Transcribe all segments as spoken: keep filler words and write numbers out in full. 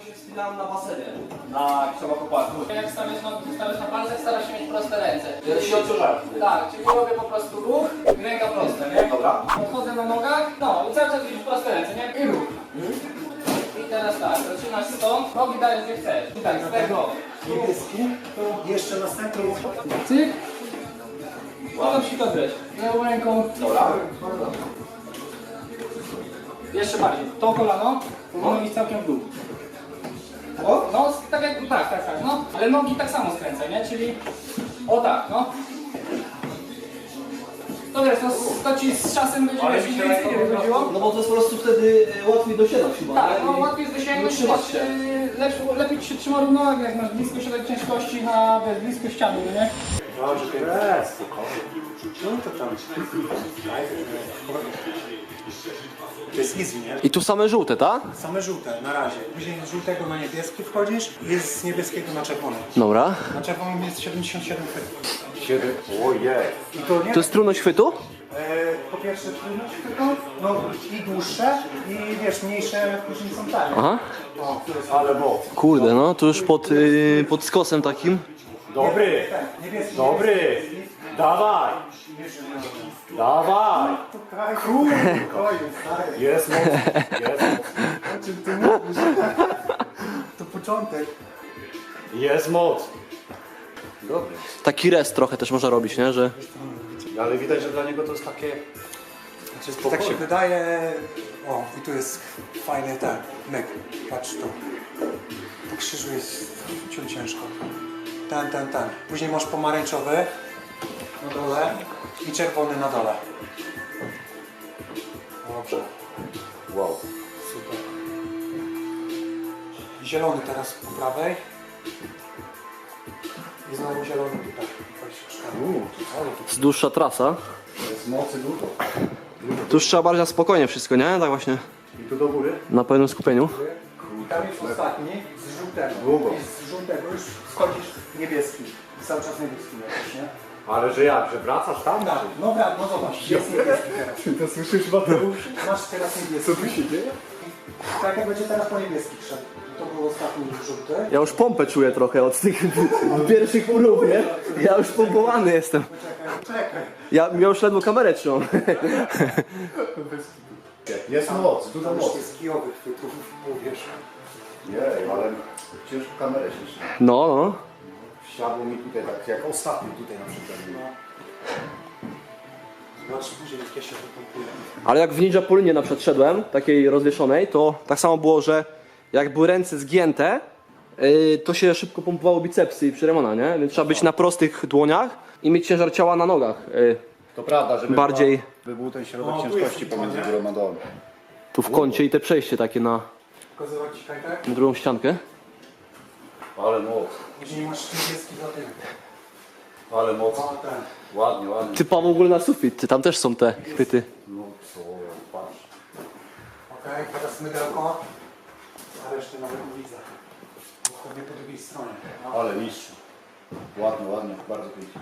się wspinałem na basenie. Na księgokoparku. Jak stawiasz nogi, stawiasz na palcach, starasz się mieć proste ręce. Ja się odciążałem. Tak, czyli robię po prostu ruch i ręka prosta, nie? Dobra. Podchodzę na nogach, no i cały czas widzisz proste ręce, nie? I ruch. I teraz tak, zaczynasz stąd, nogi dajesz gdzie chcesz. I tak, z tego. Niebieski, to jeszcze następny. Cyk. Potem się dobrać. Lewą ręką. Dobra. Jeszcze bardziej. To kolano, powinno iść całkiem w dół. O, no, tak jak, tak, tak, tak, no. Ale nogi tak samo skręcaj, nie? Czyli, o tak, no. To wiesz, no, to ci z czasem będzie Ale wiesz, mi się więcej nie wychodziło. No bo to jest po prostu wtedy e, łatwiej dosiadać chyba. Tak, nie? no I- łatwiej jest dosięgnąć, i utrzymać też, się. yy, lepiej, lepiej ci się trzyma równowagę, jak masz blisko środek ciężkości na, wiesz, blisko ściany, nie? Dobrze, teraz. No to tam. To jest easy, nie? I tu same żółte, tak? Same żółte, na razie. Później z żółtego na niebieski wchodzisz i jest z niebieskiego na czerwony. Dobra. Na czerwonym jest siedemdziesiąt siedem chwytów. Siedem. Ojej. I to nie? To jest trudność chwytu? E, po pierwsze trudność tylko, no i dłuższe i wiesz, mniejsze później są tanie. Aha. O, to jest Ale moc. Kurde, no to już pod, yy, pod skosem takim. Dobry. ten, niebieski. Dobry. Dawaj. Dawaj. Kurde, stary. Jest moc. Jest moc. O czym ty mówisz? To początek. Jest moc. Dobry. Taki rest trochę też można robić, nie? Że... Ale widać, że dla niego to jest takie... Znaczy, tak się wydaje. O, i tu jest fajny ten myk. Patrz tu. Po krzyżu jest ciut ciężko. Ten, ten, ten. Później masz pomarańczowy na dole i czerwony na dole. Dobrze. Wow. Super. Zielony teraz po prawej. I znowu zielony tutaj. Uuu, to cały tu Jest dłuższa trasa. jest mocy dużo. Tu już trzeba bardziej na spokojnie wszystko, nie? Tak właśnie I tu do góry? na pełnym skupieniu. I tam jest ostatni z żółtego. Długo. I z żółtego już schodzisz niebieski. I cały czas niebieski lecisz, nie? Ale że jak, że wracasz tam? Tak, no brat, no zobacz, jest niebieski teraz. To słyszysz, Mateusz? Masz teraz niebieski. Co tu się dzieje? Tak jak będzie teraz po niebieski szedł. To był ostatni żółty. Ja już pompę czuję trochę od tych pierwszych urów, nie? Ja już pompowany jestem. Czekaj, czekaj. Ja, ja już ledwo kamerę trzymam. Jest moc, dużo Tam już mocy. jest kijowych chwytów, mówisz. Jej, ale ciężko kamerę się trzyma. No, no. Wsiadło mi tutaj tak, jak ostatni tutaj na przykład. Zobacz później, jak ja się wypompuję. Ale jak w Ninja Polinie na przykład szedłem, takiej rozwieszonej, to tak samo było, że jak były ręce zgięte, yy, to się szybko pompowało bicepsy i przeremona, nie? Więc trzeba być na prostych dłoniach i mieć ciężar ciała na nogach. Yy, To prawda, żeby Bardziej- była, by był ten środek O, tu ciężkości jest pomiędzy nie? górą a dołem. tu w kącie i te przejście takie na, Pokazywać ci kajtek? na drugą ściankę. Ale moc, Później masz niebieski za tym. ale moc. O, ten. Ładnie, ładnie. Typa w ogóle na sufit, ty, tam też są te chwyty. No co, patrz. Okej, teraz mydełko. A resztę nawet nie widzę. Dokładnie po drugiej stronie. No. Ale mistrz. Ładnie, ładnie, bardzo pięknie.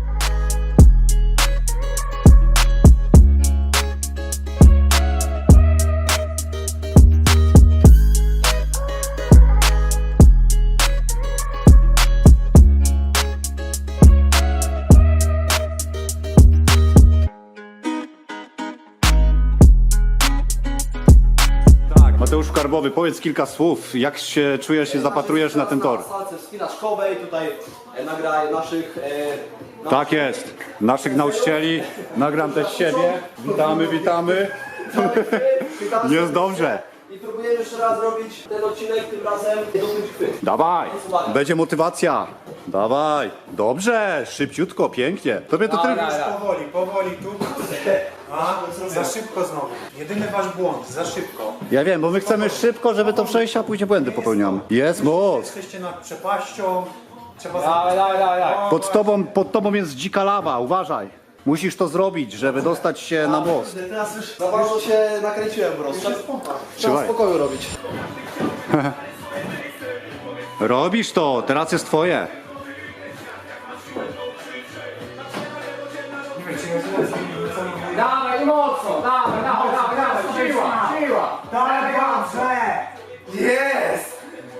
Mateusz Karbowy, powiedz kilka słów. Jak się czujesz, się zapatrujesz na ten tor? Na salce wspinaczkowej, tutaj e, nagraj naszych... E, Tak jest. Naszych nauczycieli. Nagram też siebie. Witamy, witamy. Witamy Jest dobrze. I próbujemy jeszcze raz zrobić ten odcinek, tym razem do tych chwyt. Dawaj. Będzie motywacja. Dawaj. Dobrze. Szybciutko, pięknie. Tobie to Dobra, tylko... dobra. Powoli, powoli tu. A, za szybko znowu. Jedyny wasz błąd, za szybko. Ja wiem, bo my chcemy szybko, żeby to przejść, a później błędy popełniamy. Jest moc. Jesteście nad przepaścią. Trzeba Dawaj, dawaj, dawaj, dawaj. Pod tobą, pod tobą jest dzika lawa. Uważaj. Musisz to zrobić, żeby dostać się na most. Teraz już za bardzo się nakręciłem po prostu. Trzeba Trzymaj. w spokoju robić. Robisz to, teraz jest twoje. Dawaj i mocno, dawaj, dawaj, dawaj, dawaj, siła, siła. Dawaj, dobrze! Jest!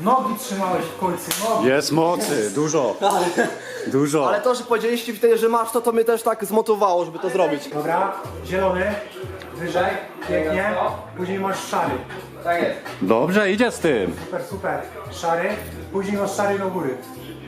Nogi trzymałeś w końcu, nogi. Jest mocy, dużo. Dużo. Ale to, że powiedzieliście wtedy, że masz to, to mnie też tak zmotywowało, żeby to zrobić. Dobra, zielony, wyżej, pięknie. Później masz szary. Tak jest. Dobrze, idzie z tym. Super, super. Szary, później masz szary do góry.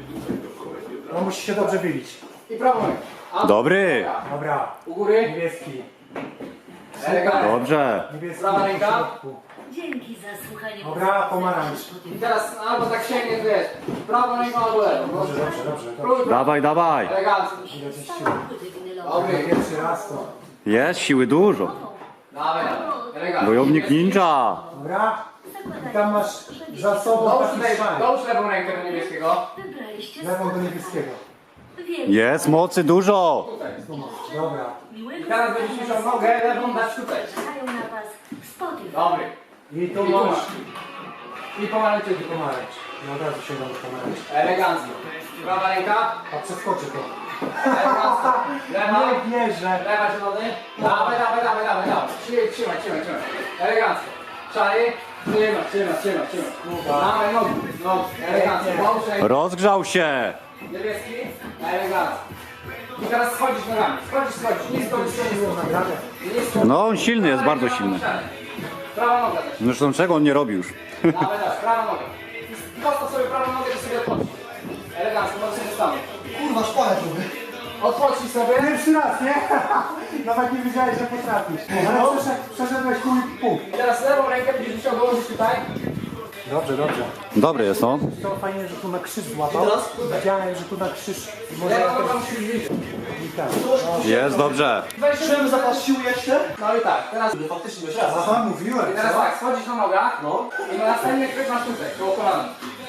No musi się dobrze wybić. I prawą rękę. Dobry. Dobra, U góry. niebieski. Elegancko. Dobrze. Niebieski Prawa w ręka. środku. Dzięki za słuchanie. Dobra, pomarańcz. I teraz albo tak sięgnie, wiesz, prawą ręką albo lewą. No, Dobrze, dobrze, dobrze. Próbuj. Dawaj, dawaj. Elegancko. Samochody winylowe. Dobry. Pierwszy raz to. Jest siły dużo. Dawaj, dawaj. Elegancko. Wojownik ninja. Dobra, i tam masz za sobą Dołóż, taki lej- szary. dołóż lewą rękę do niebieskiego. Wybraliście Lewą do niebieskiego. Wielki. Jest mocy dużo. Tutaj. Dobra. Miłego Teraz będziesz musiał nogę lewą dać tutaj. czekają na was w Spotify. Dobry. I tu I tu masz. masz. I pomarańczy. I pomarańcz. I od razu sięgam do pomarańcz. Elegancko. Prawa ręka. A przeskoczy to. Elegancko. Lewa. Nie wierzę. Lewa zielony. Dawaj, dawaj, dawaj, dawaj, dawaj. Trzymaj, trzymaj, trzymaj, trzymaj. Elegancko. Szary. Trzymaj, trzymaj, trzymaj, trzymaj. Dawaj nogi. Nogi. Elegancko. Dołóż rękę. Rozgrzał się. Niebieski. Elegancko. I teraz schodzisz nogami. Schodzisz, schodzisz. Nisko, nisko, nisko. Nisko. No on silny jest, bardzo silny. Prawa noga też. Zresztą czego on nie robi już? Dawaj, dawaj, prawa noga. I postaw sobie prawą nogę i sobie odpocznij. Elegancko, możesz się stanąć. Kurwa, szpalę tu. Odpocznij sobie. Pierwszy raz, nie? Nawet nie wiedziałeś, że potrafisz. Ale przeszedł, przeszedłeś pół i pół. I teraz lewą rękę będziesz musiał dołożyć tutaj. Dobrze, dobrze. Dobry jest, no. To fajnie, że tu na krzyż złapał. teraz? Widziałem, że tu na krzyż może Lewą nogą też musisz widzieć. i tak. Jest dobrze. Weź Czym zapas sił jeszcze? No i tak, teraz... Faktycznie, jeszcze raz. Aha, mówiłem. I teraz tak, schodzisz na nogach. No. I następnie chwyt masz tutaj, koło kolana.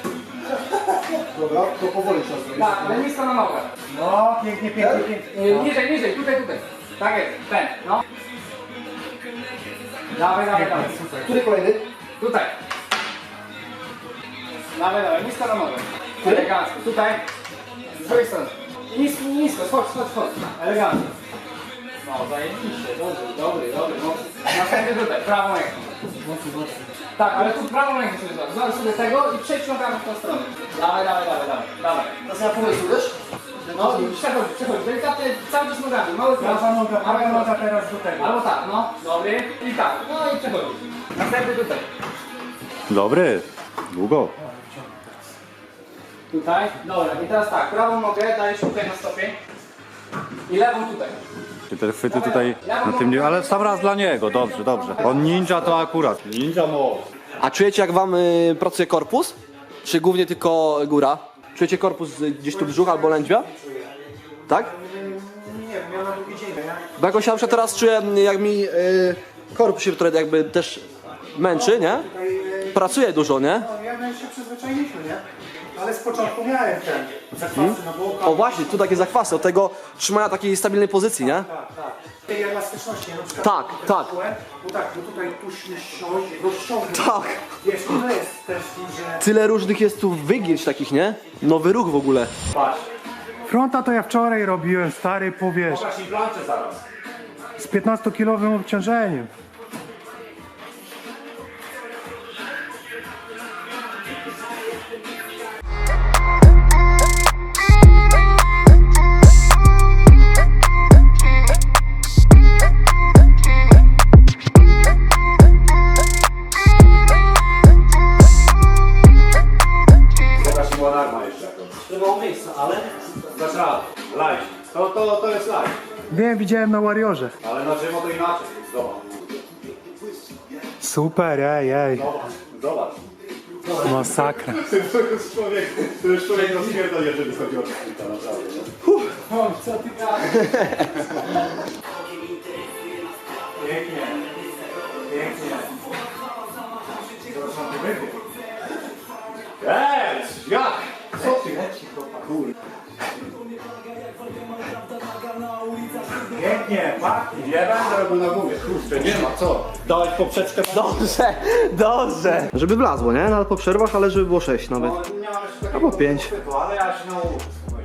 Dobra, to powoli trzeba zrobić. Tak, ale nisko na nogach. No, pięknie, pięknie, pięknie. Yy, Niżej, niżej, tutaj, tutaj. Tak jest, ten, no. Dawaj, dawaj, dawaj. Który kolejny? Tutaj. Dawaj, dawaj, nisko na nogę. Elegancko, tutaj. Z drugiej strony. I nisko, nisko, schodź, schodź, schodź. Elegancko. No, zajebiście, dobry, dobry, dobry, mocny. Następnie tutaj, prawą ręką. Tak, ale tu prawą rękę sobie zobacz. Zobacz sobie tego i przejdź nogami w tą stronę. Dawaj, dawaj, dawaj, dawaj, dawaj. Teraz ja pomysł, wiesz? No i przechodź, przechodź, delikatnie, cały czas nogami, mały Prawa prost. noga, Mały prawa prost. noga teraz do tego. Albo tak, no, dobry. I tak, no i przechodzi. Następny tutaj. Dobry. Długo. Tutaj, dobra, i teraz tak, prawą nogę dajesz tutaj na stopień. I lewą tutaj. Ty te chwyty tutaj na tym nie... Ale sam raz dla niego. Dobrze, dobrze. On ninja to akurat. Ninja moc. A czujecie, jak wam y, pracuje korpus? Czy głównie tylko góra? Czujecie korpus y, gdzieś tu brzuch albo lędźwia? Tak? Nie wiem, ja na drugi dzień, nie? Bo jakoś ja na przykład teraz czuję, y, jak mi y, korpus się trochę jakby też męczy, nie? Tutaj, e, Pracuje dużo, nie? no, ja my się przyzwyczailiśmy, nie? Ale z początku miałem ten zakwasy na bokach. O właśnie, tu takie zakwasy, od tego trzymania takiej stabilnej pozycji, nie? Tak, tak. Tej elastyczności, na przykład. Tak, tutaj tak. czułem, Bo tak, bo tutaj tu siąść, rozciągnąć. Tak. Wiesz, tyle jest też tu, że... Tyle różnych jest tu wygięć takich, nie? Nowy ruch w ogóle. Fronta to ja wczoraj robiłem, stary, powiesz. Pokaż im planczę zaraz. Z piętnastokilowym obciążeniem. Pokaż im alarma jeszcze jakąś. Nie mało miejsca, ale... Dasz radę. Live. To, to, to jest live. Wiem, widziałem na Warriorze. Ale na żywo to inaczej. Zobacz. Super, ej, ej. Zobacz. Zobacz. Masakra. To jest człowiek, to jest człowiek rozpierdol, jeżeli chodzi o technika, naprawdę. Nie? O, co ty gadasz? Pięknie. Pięknie. Eee, jak? Co ty? Kurde. Pięknie, pachnie. Nie będę robił na głowie. Kurczę, nie ma co. Dałeś poprzeczkę. Dobrze, dobrze. Żeby wlazło, nie? Nawet po przerwach, ale żeby było sześć nawet. No, nie mam jeszcze Albo pięć. takiego, ale ja się nauczę.